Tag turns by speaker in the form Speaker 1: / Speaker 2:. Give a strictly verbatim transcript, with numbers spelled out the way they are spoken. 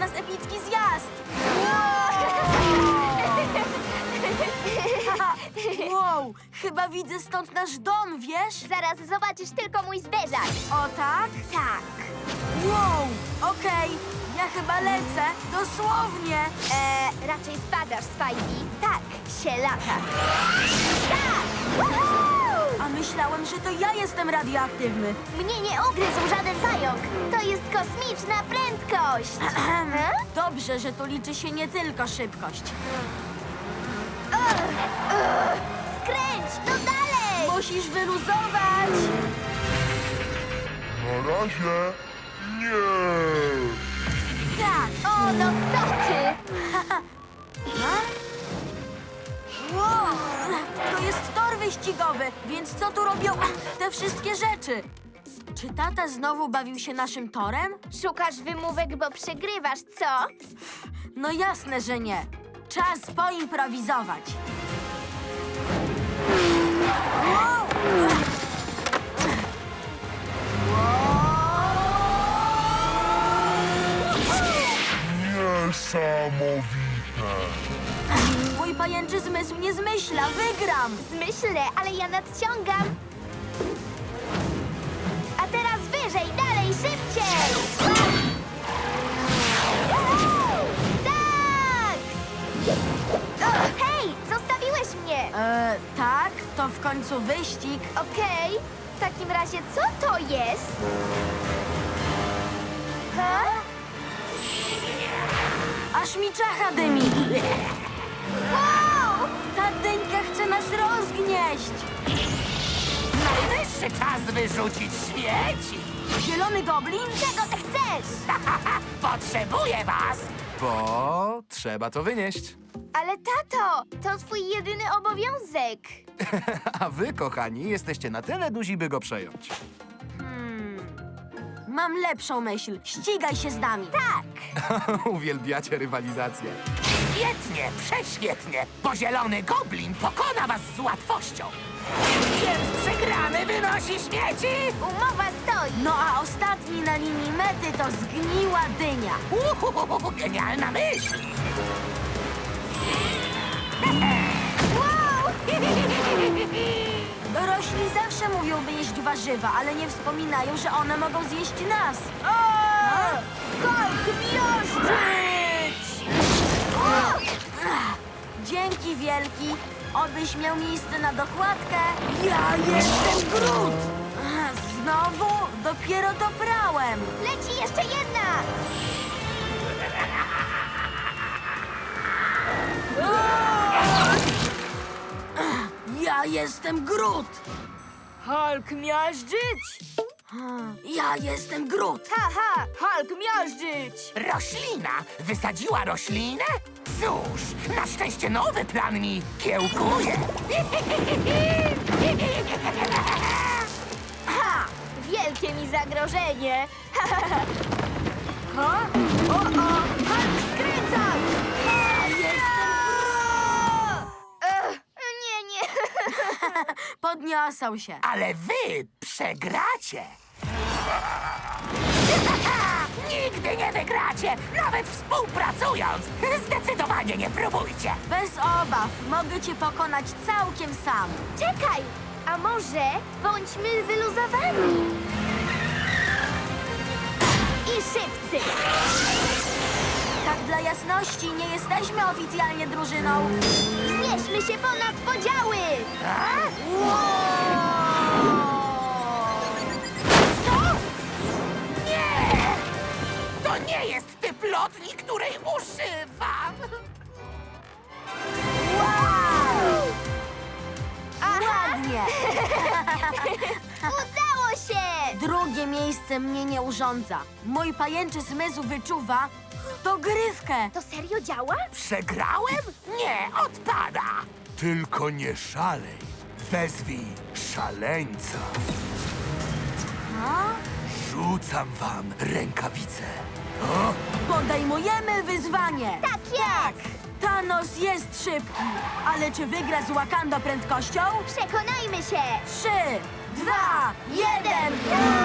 Speaker 1: nas epicki zjazd! Wow, chyba widzę stąd nasz dom, wiesz?
Speaker 2: Zaraz zobaczysz tylko mój zderzak.
Speaker 1: O tak?
Speaker 2: Tak.
Speaker 1: Wow, okej, ja chyba lecę, dosłownie.
Speaker 2: Eee, raczej spadasz, Spidey. Tak, się lata. Tak! Woohoo!
Speaker 1: A myślałem, że to ja jestem radioaktywny.
Speaker 2: Mnie nie ugryzł żaden pająk. To jest kosmiczna prędkość. He?
Speaker 1: Dobrze, że tu liczy się nie tylko szybkość.
Speaker 2: Skręć, no dalej!
Speaker 1: Musisz wyluzować.
Speaker 3: Na razie nie.
Speaker 1: Tak.
Speaker 2: O, no co ty?
Speaker 1: Wow, to jest tor wyścigowy, więc co tu robią te wszystkie rzeczy? Czy tata znowu bawił się naszym torem?
Speaker 2: Szukasz wymówek, bo przegrywasz, co?
Speaker 1: No jasne, że nie. Czas poimprowizować. Wow.
Speaker 3: Niesamowite.
Speaker 1: Mój pajęczy zmysł nie zmyśla, wygram!
Speaker 2: Zmyślę, ale ja nadciągam. A teraz wyżej, dalej, szybciej! Juhu! Tak! O, hej, zostawiłeś mnie!
Speaker 1: E, tak, to w końcu wyścig.
Speaker 2: Okej, w takim razie co to jest? Ha?
Speaker 1: Aż mi czacha dymi.
Speaker 2: Wow!
Speaker 1: Ta dyńka chce nas rozgnieść.
Speaker 4: Najwyższy czas wyrzucić śmieci!
Speaker 1: Zielony goblin?
Speaker 2: Czego ty chcesz?
Speaker 4: Potrzebuję was!
Speaker 5: Bo trzeba to wynieść.
Speaker 2: Ale tato, to twój jedyny obowiązek.
Speaker 5: A wy, kochani, jesteście na tyle duzi, by go przejąć.
Speaker 1: Mam lepszą myśl. Ścigaj się z nami.
Speaker 2: Tak!
Speaker 5: Uwielbiacie rywalizację.
Speaker 4: Świetnie, prześwietnie, bo zielony goblin pokona was z łatwością. Więc przegrany wynosi śmieci!
Speaker 2: Umowa stoi.
Speaker 1: No a ostatni na linii mety to zgniła dynia.
Speaker 4: Uhuhu, genialna myśl!
Speaker 2: Wow!
Speaker 1: Dorośli zawsze mówią, by jeść warzywa, ale nie wspominają, że one mogą zjeść nas.
Speaker 2: Hulk miażdżyć!
Speaker 1: Dzięki wielki. Obyś miał miejsce na dokładkę. Ja jestem Groot! Znowu? Dopiero to prałem.
Speaker 2: Leci jeszcze jedna!
Speaker 1: Ja jestem Groot!
Speaker 6: Hulk miażdżyć!
Speaker 1: Ja jestem Groot!
Speaker 2: Haha!
Speaker 6: Hulk miażdżyć!
Speaker 4: Roślina wysadziła roślinę? Cóż, na szczęście nowy plan mi kiełkuje.
Speaker 2: Ha! Wielkie mi zagrożenie!
Speaker 1: Ha?
Speaker 2: O, o! Hulk skręca!
Speaker 1: Ja jestem Groot!
Speaker 2: Ech, nie, nie!
Speaker 1: Podniosą się.
Speaker 4: Ale wy przegracie. Nigdy nie wygracie, nawet współpracując. Zdecydowanie nie próbujcie.
Speaker 1: Bez obaw. Mogę cię pokonać całkiem sam.
Speaker 2: Czekaj! A może bądźmy wyluzowani? I szybcy!
Speaker 1: Tak dla jasności, nie jesteśmy oficjalnie drużyną.
Speaker 2: Wznieśmy się ponad podziały!
Speaker 4: A?
Speaker 1: Co?
Speaker 4: Nie! To nie jest typ lotni, której używam.
Speaker 1: Wow!
Speaker 2: Aha!
Speaker 1: Ładnie.
Speaker 2: Udało się!
Speaker 1: Drugie miejsce mnie nie urządza. Mój pajęczy zmysł wyczuwa dogrywkę.
Speaker 2: To serio działa?
Speaker 4: Przegrałem? Nie, odpada.
Speaker 5: Tylko nie szalej. Wezwij szaleńca.
Speaker 1: A?
Speaker 5: Rzucam wam rękawice.
Speaker 1: Podejmujemy wyzwanie.
Speaker 2: Tak jest!
Speaker 1: Thanos jest szybki, ale czy wygra z Wakanda prędkością?
Speaker 2: Przekonajmy się!
Speaker 1: Trzy, dwa, jeden.
Speaker 2: Go!